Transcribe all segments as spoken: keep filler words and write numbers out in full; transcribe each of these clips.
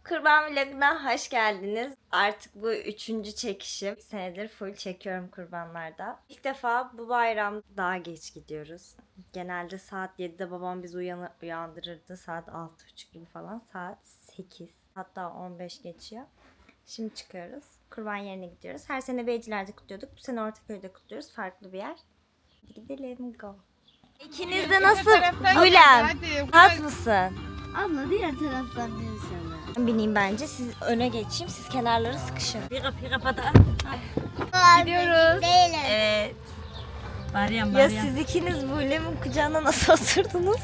Kurban vloguna hoş geldiniz. Artık bu üçüncü çekişim. Bir senedir full çekiyorum kurbanlarda. İlk defa bu bayram daha geç gidiyoruz. Genelde saat yedide babam bizi uyanı- uyandırırdı. Saat altı buçuk gibi falan. Saat sekiz. Hatta on beş geçiyor. Şimdi çıkıyoruz. Kurban yerine gidiyoruz. Her sene Beyciler'de kutluyorduk. Bu sene Ortaköy'de kutluyoruz. Farklı bir yer. Gidelim go. İkiniz de nasıl? Gülem. Hat mısın? Abla diğer taraftan değil sana. Bineyim bence. Siz öne geçeyim. Siz kenarlara sıkışın. Pika pika pata. Gidiyoruz. Değilim. Evet. Meryem Ya Meryem. siz ikiniz Bulem'in kucağına nasıl oturdunuz?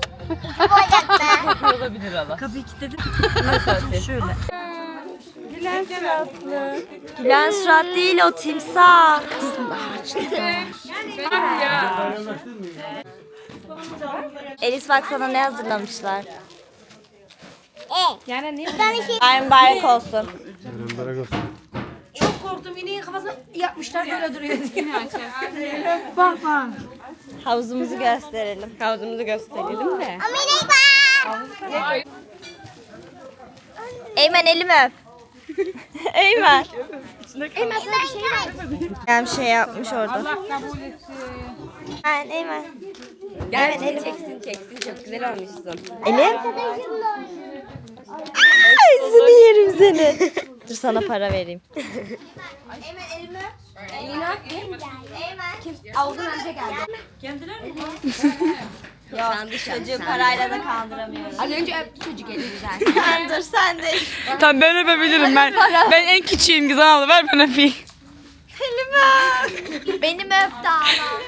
Olabilir Allah. Kapıyı kilitledim. Nasıl şöyle. Gülen suratlı. Gülen surat değil o timsah. Elis bak sana ne hazırlamışlar. Yani niye? Ben şey... Bayram bayrak olsun. Çok korktum. İneğin kafasına yapmışlar böyle duruyor diye. Havuzumuzu gösterelim. Havuzumuzu gösterelim de. Eymen elimi öp. Eymen. Eymen sana bir şey var. Ben bir şey yapmış orada. Ben Eymen. Gel elim. Çeksin çeksin çok güzel olmuşsun. Elim. Ay seni yerim seni. Dur sana para vereyim. Eymen elimi. Eymen. Avuzun önce geldi. Yok çocuğu parayla da kandıramıyoruz. Az önce öptü çocuk eli güzel. Sen dur sen de. Tamam ben öpebilirim ben. Ben en küçüğüm güzel abla ver ben öpeyim. Elimi. Benim öptü ama.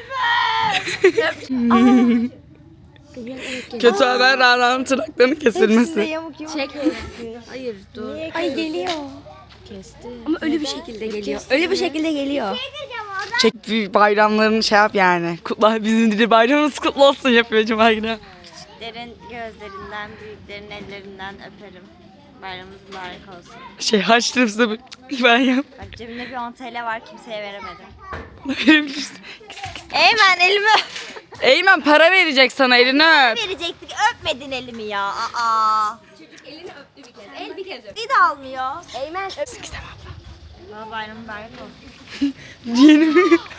Kötü haber Rara'nın tırnaklarının Hepsinde kesilmesi. yamuk yumuk. Çek. Hayır dur. Ay geliyor. Ama öyle bir şekilde geliyor. Öyle bir şekilde geliyor. Çek bir bayramlarını şey yap yani. Kutla bizim dedi bayramımız kutlu olsun yapıyor Cuma günü. Küçüklerin gözlerinden, büyüklerin ellerinden öperim. Bayramımız mübarek olsun. Şey harçlığım size bir- ben yap. Bak cebimde bir on T L var kimseye veremedim. Verebilirsin. Eymen elimi öp. Eymen para verecek sana elini öp. Verecektik öpmedin elimi ya. Aa. Elini öptü bir kez. El bir kez öptü. Bir de almıyor. Eymen öp. Bana bayram mübarek olsun. Diyelim.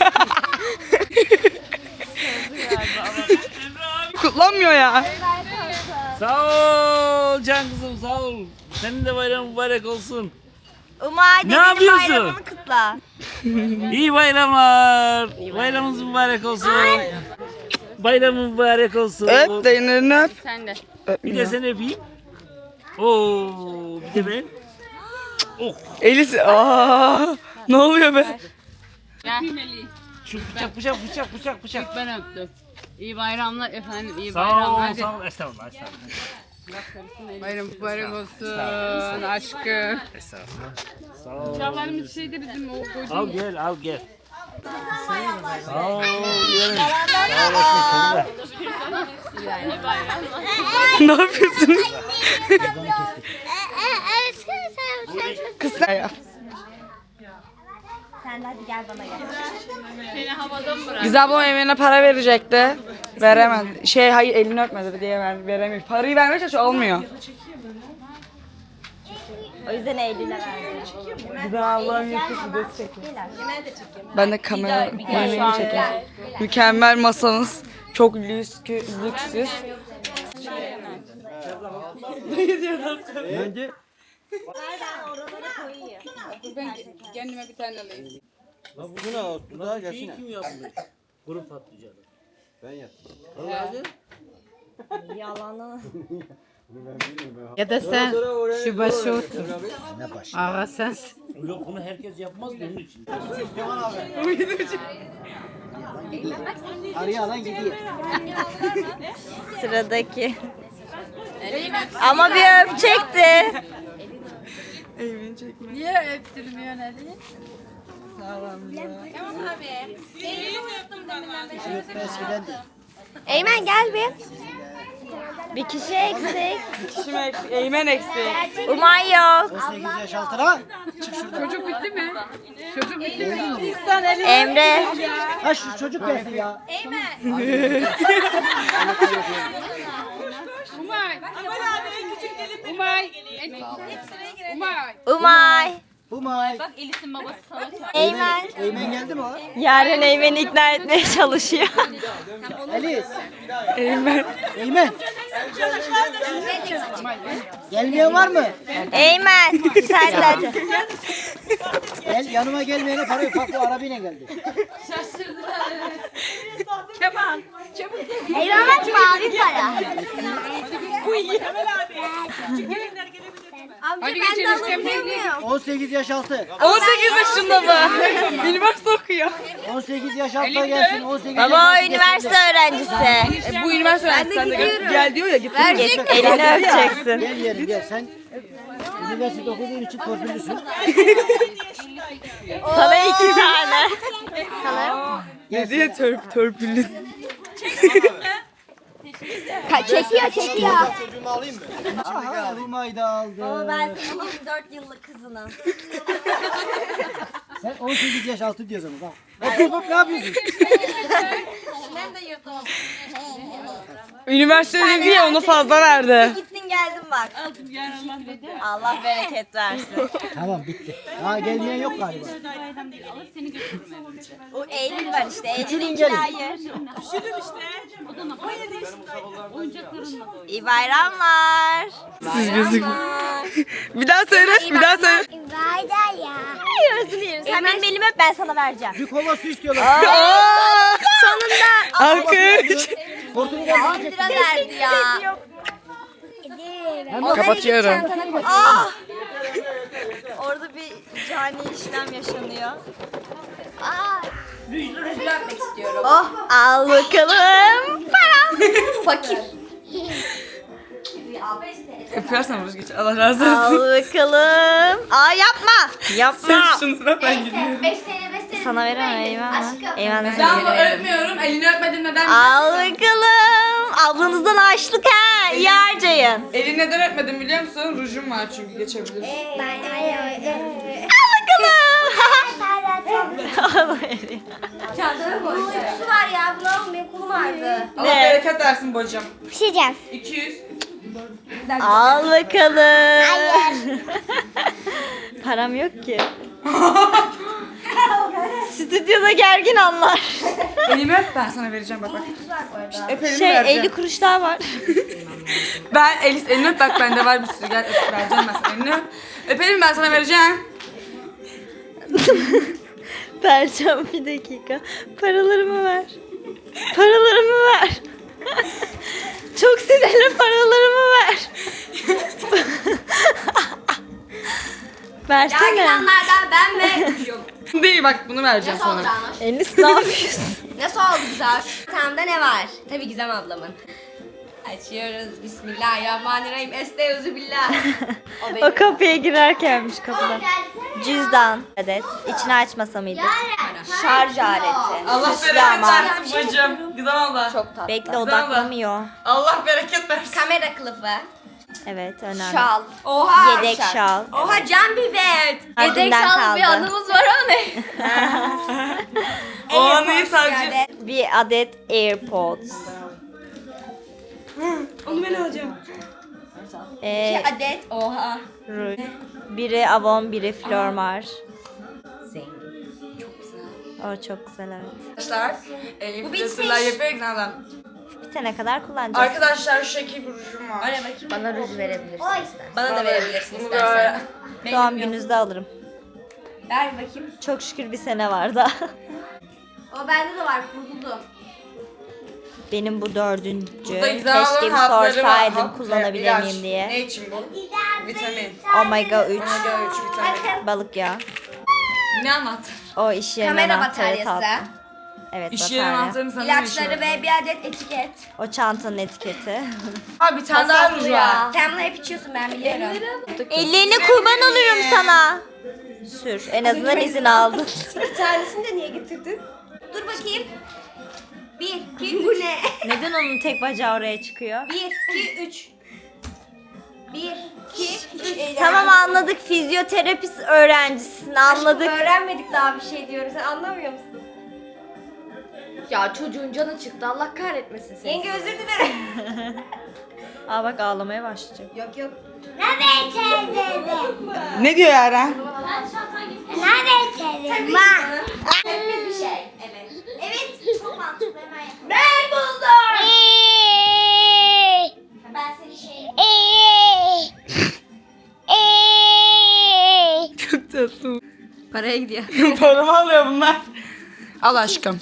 Kutlanmıyor ya. Sağ ol can kızım sağ ol. Senin de bayram mübarek olsun. Umay Ne dedenin yapıyorsun? bayramını kutla. İyi bayramlar. Bayramınız mübarek olsun. Bayramın mübarek olsun. Öp de elini öp. Sen de. Bir de seni öpeyim. Oo, bir de ben. Oh, Elis. Aa, ne oluyor be? şu bıçak bıçak bıçak bıçak bıçak. Ben öptüm. İyi bayramlar efendim. İyi Sağ ol, bayramlar. sağ ol. Estağfurullah, estağfurullah. Bayram mübarek olsun aşkım. Estağfurullah. Sağ ol. Çağlarımız şeyde bizim o koyduğumuz. Al gel, al gel. Sağ ol, yerim. Sağ olasın, sen de. Ne yapıyorsunuz? Kısa. Sen de hadi gel bana gel. Seni havada mı bırak? Güzel ablam evine para verecekti. Veremedi. Şey hayır elini öpmedi diye ver, veremiyor. Parayı vermeye çalışıyor olmuyor. O yüzden Eylül'e verdim. Güzel ablam YouTube videosu çekiyor. Ben de kamera yemeğini çekiyorum. Mükemmel masanız. Çok lüks, lüksüz. Ben kendime bir tane alayım. Şey kim yapmış? Kuru patlıcanı. Yalanı. Ya da sen şu başı otur. Ağa sensin. Yok bunu herkes yapmaz da onun için. Sıradaki. Ama bir öpecekti. Niye öptürmüyorsun hadi? Eymen gel bir. Bir kişi eksik. Kişim eksik, Eymen eksik. Umay yok. Çocuk bitti mi? Çocuk bitti mi? Emre. Ha şu çocuk gelsin ya. Umay. Umay. Umay. Umay. Bak Elis'in babası sana çağırıyor. Eymen. Eymen geldi mi o? Yaren Eymen'i ikna etmeye çalışıyor. Elis. Eymen. Eymen. Gelmeyen var mı? Eymen. Sen de hadi. Gel yanıma gelmeyene para yok. Bak bu arabayla geldi. Eyvah açma abi para. Hadi geçelim işte. on sekiz yaş altı. on sekiz yaşında mı? Üniversite okuyor. on sekiz yaş altı gelsin. on sekiz yaş Baba altı üniversite gelsin. öğrencisi. E, bu üniversite öğrencisi. Sen de gel, gel diyor ya. Git. Git elini öpeceksin. Gel yerim gel. Sen üniversite okuduğun için torpillüsün. Sana iki tane. Ne diye törp törpülü. Çekiyor çekiyor. Aha Umay da aldı. Ben senin yirmi dört yıllık kızınım. Sen on sekiz yaş altı diyorsun bak. Hop hop hop ne yapıyorsun? Üniversite diye onu fazla verdi. Gittin geldin bak. Allah bereket versin. Tamam bitti. Ha gelmeyen yok galiba. O Eylül var işte. Eylül Üçünün iki gelin. hayır. İyi bayramlar. Siz gözük. Bir daha söyle, bir daha söyle. Vayda ya. Ay özür dilerim. Sen benim elimi öp ben sana vereceğim. Bir kova su istiyorlar. Aa! Sonunda. Alkış. Hortumu da on lira verdi ya. Kapatıyorum. Ah! Orada bir cani işlem yaşanıyor. Öpmek istiyorum. Oh al bakalım. Param. Fakir. Öpersen Ruz geç. Allah razı Al olsun. bakalım. Aa yapma. Yapma. Sen şunu sıra ben gidiyorum. beş T L beş T L. Sana veremem eyvallah. Eyvallah. Ben sana bunu veririm. öpmüyorum. Elini öpmedin neden? Al bakalım. Ablanızdan açlık ha. İyi harcayın. Elini neden öpmedin biliyor musun? Rujum var çünkü geçebilir. Al bakalım. Uykusu var ya. Bunu alın benim kolum ağrıdı. Allah bereket versin bacım. Bir şey diyeceğim. iki yüz. Al bakalım. Param yok ki. Stüdyoda gergin anlar. Elimi öp ben sana vereceğim bak bak. İşte öp elimi Şey vereceğim. elli kuruş daha var. Ben Elis elini öp bak bende var bir sürü gel öp vereceğim ben sana elini öp. Öp elimi ben sana vereceğim. Vereceğim bir dakika. Paralarımı ver. Paralarımı ver. Çok sinirli paralarımı ver. Versene. Yargılanlardan ben ve Rujum. Değil bak bunu vereceğim Nasıl oldu sana. Anoş? Enis ne yapıyorsun? Nasıl oldu güzel? Tamda ne var? Tabii Gizem ablamın. Açıyoruz. Bismillahirrahmanirrahim. Estağfirullah. O O benim. kapıya girerkenmiş kapıdan. Cüzdan. Evet. İçini açmasa mıydı? Şarj aleti. Allah Süslü bereket ama. versin bacım. Güzel abla. Çok tatlı. Bekle odaklamıyor. Allah bereket versin. Kamera kılıfı. Evet önemli. Şal. Oha. Yedek şal. Oha can bibet. Yedek Ardından şal bir kaldı. anımız var o ne? O anıyı sadece. Bir adet AirPods. Onu ben alacağım. Ee, İki adet. Oha. ruj. Biri Avon, biri Flormar. O çok güzel evet. Arkadaşlar. E, influencerlar yapıyor Gizem'den. Bitene kadar kullanacağız. Arkadaşlar şu şekil bir rujum var. Oraya bakayım. Bana ruj verebilirsin. Bana da verebilirsin Bunu istersen. böyle. Doğum gününüzde alırım. Ver bakayım. Çok şükür bir sene var da. O bende de var. Bozuldu. Benim bu dördüncü. Burada Gizem Keşke ablanın bir hatları var. sorsaydım Hap, kullanabilir ilaç. miyim diye. Ne için bu? Vitamin. Omega üç. Omega üç vitamin. Balık yağı. Ne anlattın? O iş yerinin Kamera anahtarı bataryası. tatlım. Evet İş yeri batarya. anahtarını sana İlaçları İlaçları ve bir adet etiket. O çantanın etiketi. Ha bir tane daha ruj var. Sen bunu hep içiyorsun ben biliyorum. Ellerini kurban olurum sana. Sür. En azından izin aldın. Bir tanesini de niye getirdin? Dur bakayım. Bir, iki, bu ne? Neden onun tek bacağı oraya çıkıyor? Bir, iki, üç. Bir, iki, üç. Tamam anladık. Fizyoterapist öğrencisin. Anladık. Öğrenmedik daha bir şey diyorum. Sen anlamıyor musun? Ya çocuğun canı çıktı. Allah kahretmesin seni. Yenge özür dilerim. Aa bak ağlamaya başlayacak. Yok yok. Ne diyor Yaren? Neredesin? Var. Hepimiz bir şey. Evet. Evet. Çok mantıklı hemen yapalım. Ben buldum. Ben seni şey... Çok tatlı. Paraya gidiyor. Paramı alıyor bunlar. Al aşkım.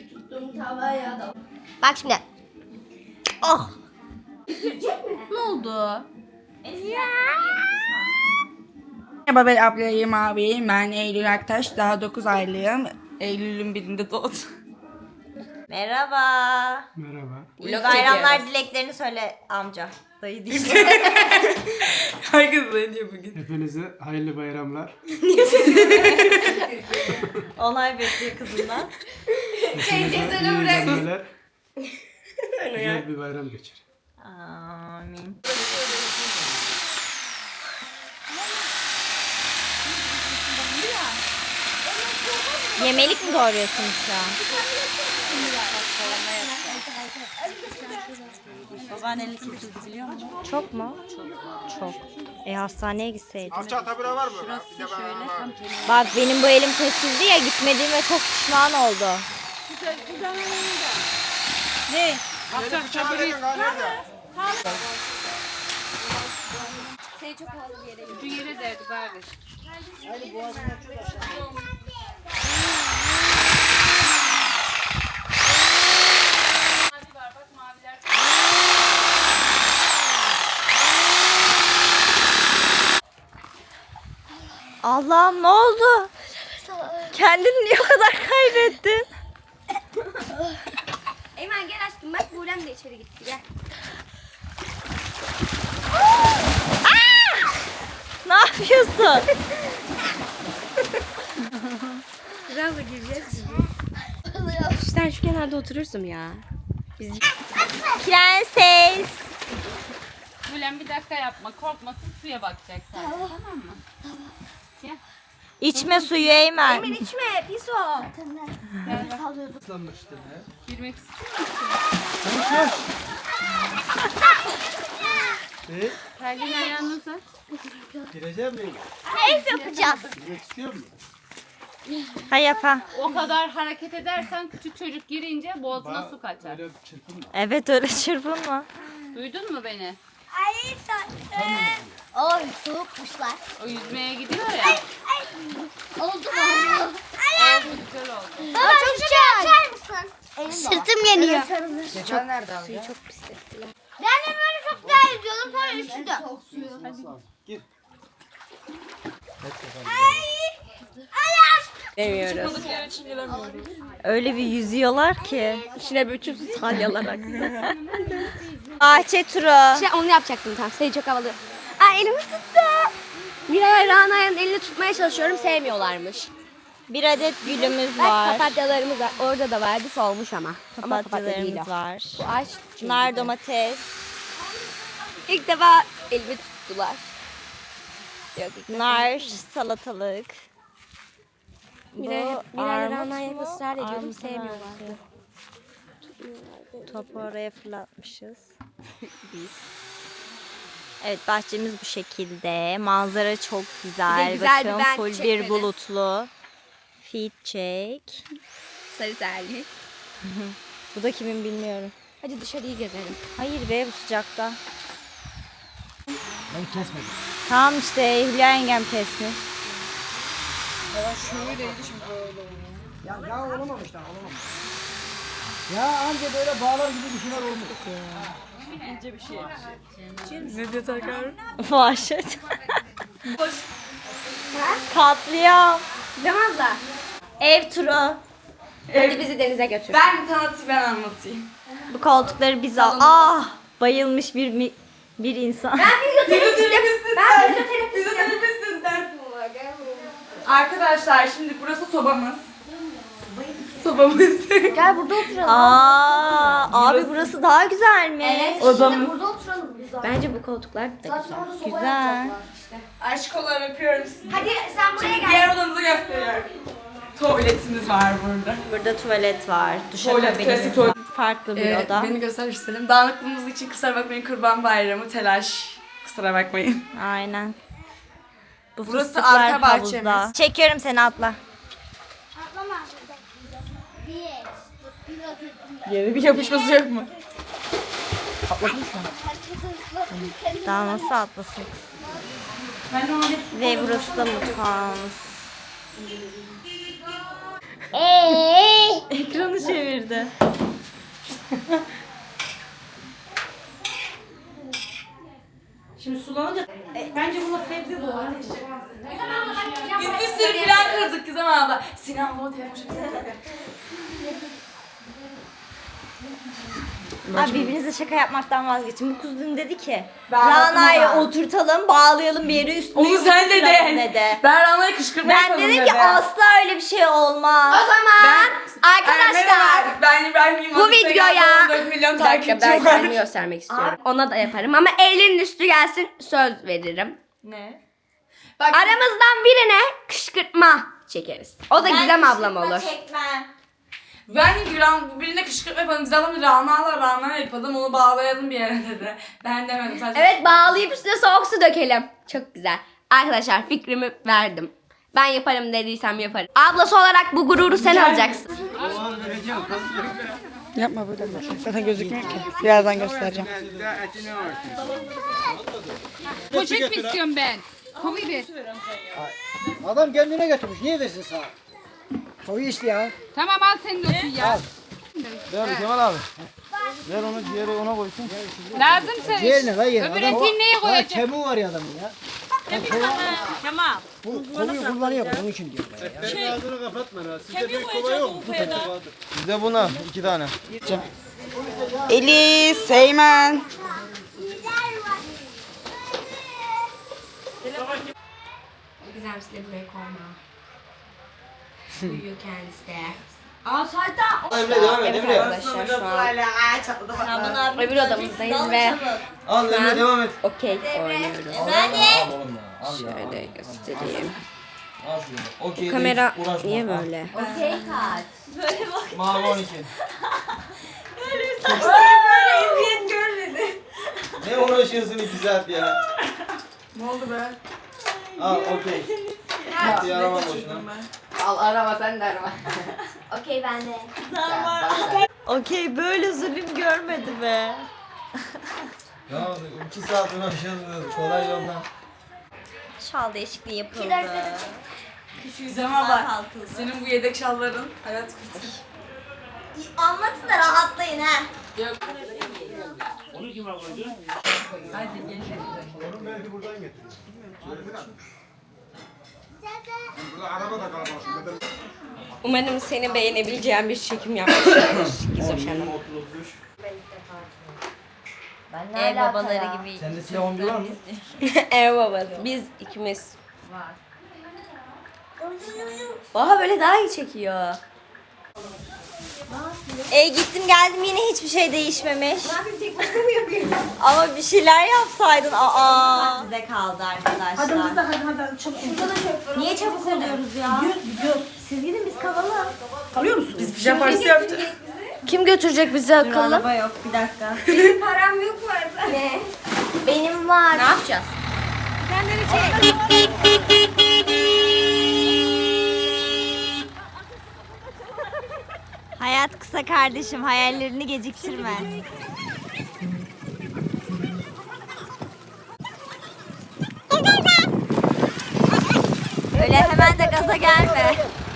Bak şimdi. Oh. Ne oldu? Merhaba ben ablayım abiyim. Ben Eylül Aktaş. Daha dokuz aylıyım. Eylül'ün birinde doğdum. Merhaba. Merhaba. İyi bayramlar dileklerini söyle amca. Dayı değil. Herkes ne diyor bugün? Hepinize hayırlı bayramlar. Onay bekliyor kızından. Hepinize iyi eğlenceler. Güzel bir bayram geçir. Amin. Yemelik mi doğruyorsunuz şu an? Babaanneli kesildi biliyor musun? Çok mu? Çok. Çok. E hastaneye gitseydin. Bak benim bu elim kesildi ya, gitmediğime çok pişman oldu. Ne? Şu yere derdi bari. Allah'ım ne oldu? Kendini niye o kadar kaybettin? Eymen gel aşkım bak Buğrem de içeri gitti gel. Ne yapıyorsun? Bravo gireceğiz. Sen şu kenarda oturursun ya. Biz Prenses. Bülent bir dakika yapma. Korkmasın, suya bakacak sadece. Tamam mı? İçme suyu Eymen. Eymen içme pis o. Girmek istiyor E, Terliğin ayağını uzat. gireceğim mi? Keyif yapacağız. Girmek istiyor musun? Ha yap ha. O kadar hareket edersen küçük çocuk girince boğazına Bana su kaçar. Öyle çırpınma. Evet öyle çırpınma. Duydun mu beni? Ay tatlı. Oy soğukmuşlar. O yüzmeye gidiyor ya. Oldu mu? Oldu, güzel oldu. Baba çok şey açar mısın? Sırtım yanıyor. Geçen nerede abi? Ben de böyle çok güzel yüzüyordum sonra üşüdüm. Gir. Demiyoruz. Öyle bir yüzüyorlar ki. içine bütün salyalarak. Bahçe turu. Şey onu yapacaktım tam. Seni çok havalı. Ay elimi tuttu. Miray Rana'nın elini tutmaya çalışıyorum. Sevmiyorlarmış. Bir adet gülümüz Bak var. papatyalarımız var. Orada da vardı solmuş ama. Ama papatya değil Papatyalarımız o. var. Bu ağaç çünkü. Nar domates. İlk defa elimi tuttular. Yok ilk defa. Nar salatalık. Miray, Bu Miray armut Rana'ya mu? ısrar ediyordum. Armut Sevmiyorlardı. Topu oraya fırlatmışız. Evet bahçemiz bu şekilde. Manzara çok güzel. Bir de güzel bir Bakın ben full bir çekmedi. bulutlu. Feed çek. Sarı terli. Bu da kimin bilmiyorum. Hadi dışarıyı gezelim. Hayır be bu sıcakta. Ben kesmedim. Tamam işte Hülya yengem kesmiş. Ya, ya olamamış lan olamamış. Ya anca böyle bağlar gibi bir şeyler olmuş. Ne diyor Tarkan? Vahşet. Katliam. Cem abla. Ev turu. Hadi bizi denize götür. Ben tanıtayım ben anlatayım. Bu koltukları biz al. Ah! Bayılmış bir mi- bir insan. Arkadaşlar şimdi burası sobamız. Sobamız. Gel burada oturalım. Aa, abi burası daha güzelmiş. Evet. Odamız. Burada oturalım biz zaten. Bence bu koltuklar da güzel. Sonra da soba Güzel. yapacaklar işte. Aşk olarak öpüyorum sizi. Hadi sen buraya gel. Diğer odamızı gösteriyorum. Tuvaletimiz var burada. Burada tuvalet var. Tuvalet, Duşakabinimiz klasik var. tuvalet. Farklı bir Ee, oda. beni göstermek istedim. Dağınıklığımız için kusura bakmayın. Kurban bayramı, telaş. Kusura bakmayın. Aynen. Bu Burası fıstıklar arka havuzda. bahçemiz. Çekiyorum seni, atla. Yere bir yapışması yok mu? Daha nasıl atlasın? Ve burası da mutfağımız. Ekranı çevirdi. Biz bir sürü plan kırdık Gizem abla. Sinan baba telefon Abi birbirinize şaka yapmaktan vazgeçin. Bu kız dün dedi ki Ben Rana'yı yapmam. oturtalım, bağlayalım bir yere, üstüne Onu sen yumuşatalım dedin. dedi. Ben Rana'ya kışkırtma Ben yapalım dedim dedi. ki asla öyle bir şey olmaz. O zaman arkadaşlar Ben İbrahim'im. bu videoya dört milyon bir dakika takipçi ben var. kendimi göstermek istiyorum. Ona da yaparım ama elinin üstü gelsin söz veririm. Ne? Bak, Aramızdan birine kışkırtma çekeriz. O da Gizem ablam olur. Çekmem. ben de Güran birine kışkırtma yapalım. Gizem abla Rana'la Rana yapalım. Onu bağlayalım bir yere dedi. Ben demedim sadece. Evet bağlayıp üstüne soğuk su dökelim. Çok güzel. Arkadaşlar fikrimi verdim. Ben yaparım dediysem yaparım. Ablası olarak bu gururu sen alacaksın. Yapma böyle bir şey. Zaten gözükmüyor ki. Birazdan göstereceğim. Poşet mi istiyorum ben? Kovi bir. Adam kendine getirmiş. Niye versin sana? Koyu işte ya. Tamam al senin olsun ya. Ver Kemal abi. Ver onu ciğeri ona koysun. Lazım senin. Ciğerine lan yerine. Öbür Adam- etiği neye Daha koyacak? kemiği var ya adamın ya. Tamam. Bu konuyu kullanıyor onun için diyor. ben ya. Ağzını kapatma ha. Sizde büyük kova yok mu? Bizde buna iki tane. Elis, Eymen. Gizem size buraya koyma. Uyuyor kendisi de. Aa zaten. Emre devam et Evet Emre. arkadaşlar şu an öbür odamızdayız ve Al Emre devam et. okey oynuyoruz. Al oğlum ya. Al ya. Şöyle göstereyim. Al şunu. Okey. Kamera değil, uğraşma. niye Al. böyle? Mavi on iki. Eziyet görmedi. Ne uğraşıyorsun iki saat ya? Ne oldu be? Al okey. Gitti arama boşuna. Al arama sen de arama. Okey ben de. Okey, böyle zulüm görmedi be. Ya iki saat uğraşıyoruz. Kolay yoldan. Şal değişikliği yapıldı. Gizem abla. Senin bu yedek şalların hayat kurtarır. Anlatın da rahatlayın ha. Yok. Onu kim aldı? Hadi gel. Umarım seni beğenebileceğim bir çekim yapmışlardır. Gizoş Hanım. Ev babaları gibi. Sende silah on bir var mı? Ev babası. Biz ikimiz. Var. Oha böyle daha iyi çekiyor. E gittim geldim yine hiçbir şey değişmemiş. Ama bir şeyler yapsaydın. Aa. Bize kaldı arkadaşlar. Hadi hadi hadi, hadi çabuk. Niye çabuk oluyoruz ya? Gidiyoruz. Siz gidin biz kalalım. Kalıyor musunuz? Biz pijama partisi yapacağız. Kim götürecek bizi akıllı? Araba yok, bir dakika. Param yok mu arada? Ne? Benim var. Ne yapacağız? Hayat kısa kardeşim, hayallerini geciktirme. Öyle hemen de gaza gelme.